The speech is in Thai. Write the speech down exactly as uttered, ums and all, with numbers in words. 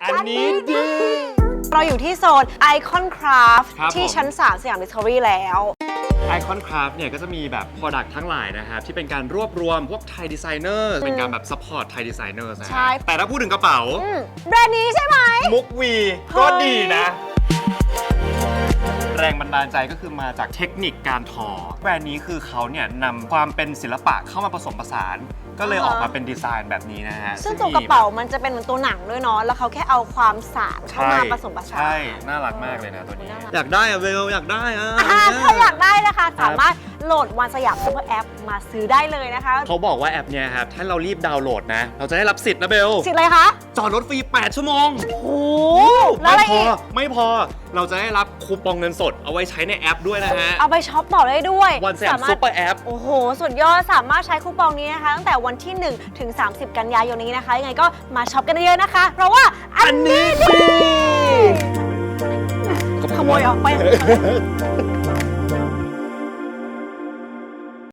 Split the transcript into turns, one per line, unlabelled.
อันนี้ดี
เราอยู่ที่โซน Icon Craft
ครับ
ที่
ผม
ชั้น สาม สยาม Discovery แล้ว
Icon Craft เนี่ยก็จะมีแบบ Product ทั้งหลายนะครับ ที่เป็นการรวบรวมพวกไทยดีไซเนอร์เป็นการแบบ Support ไทยดีไซเนอร์นะ
ใช่
ฮะแต่ถ้าพูดถึงกระเป๋า
อืมแบรนด์นี้ใช่ไหม
มุกวีก็
เฮ้ย
ดีนะ แรงบันดาลใจก็คือมาจากเทคนิคการทอ แบรนด์นี้คือเขาเนี่ยนำความเป็นศิลปะเข้ามาผสมผสาน ก็เลยออกมาเป็นดีไซน์แบบนี้นะฮะ
ซึ่งตัวกระเป๋ามันจะเป็นเหมือนตัวหนังด้วยเนาะ แล้วเขาแค่เอาความสานเข้ามาผสมผสาน
ใช่ น่ารักมากเลยนะตัวนี้
น่ารัก
อยากได้อะเบลอยากได้อะ
อ่าถ้าอยากได้นะคะ สามารถโหลดวันสยามซูเปอร์แอปมาซื้อได้เลยนะคะ
เขาบอกว่าแอปเนี่ยครับ ถ้าเรารีบดาวน์โหลดนะ เราจะได้รับสิทธิ์นะเบล
สิทธิ์อะไรคะ
จอดรถฟรี แปด ชั่วโมง
โอ้โหแล้วอะไร
ไม่พอ
อีก
ไม่พอ เราจะได้รับคูปองเงินสดเอาไว้ใช้ในแอปด้วยนะฮะ
เอาไปช็อปต่อได้ด้วย
วันสยามซุปเปอร์แอป
โอ้โห สุดยอด สามารถใช้คูปองนี้นะคะ ตั้งแต่วันที่ หนึ่ง ถึง สามสิบ กันยายนนี้นะคะ ยังไงก็มาช็อปกันเยอะๆนะคะ เพราะว่าอันนี้ดีขโมยออกไป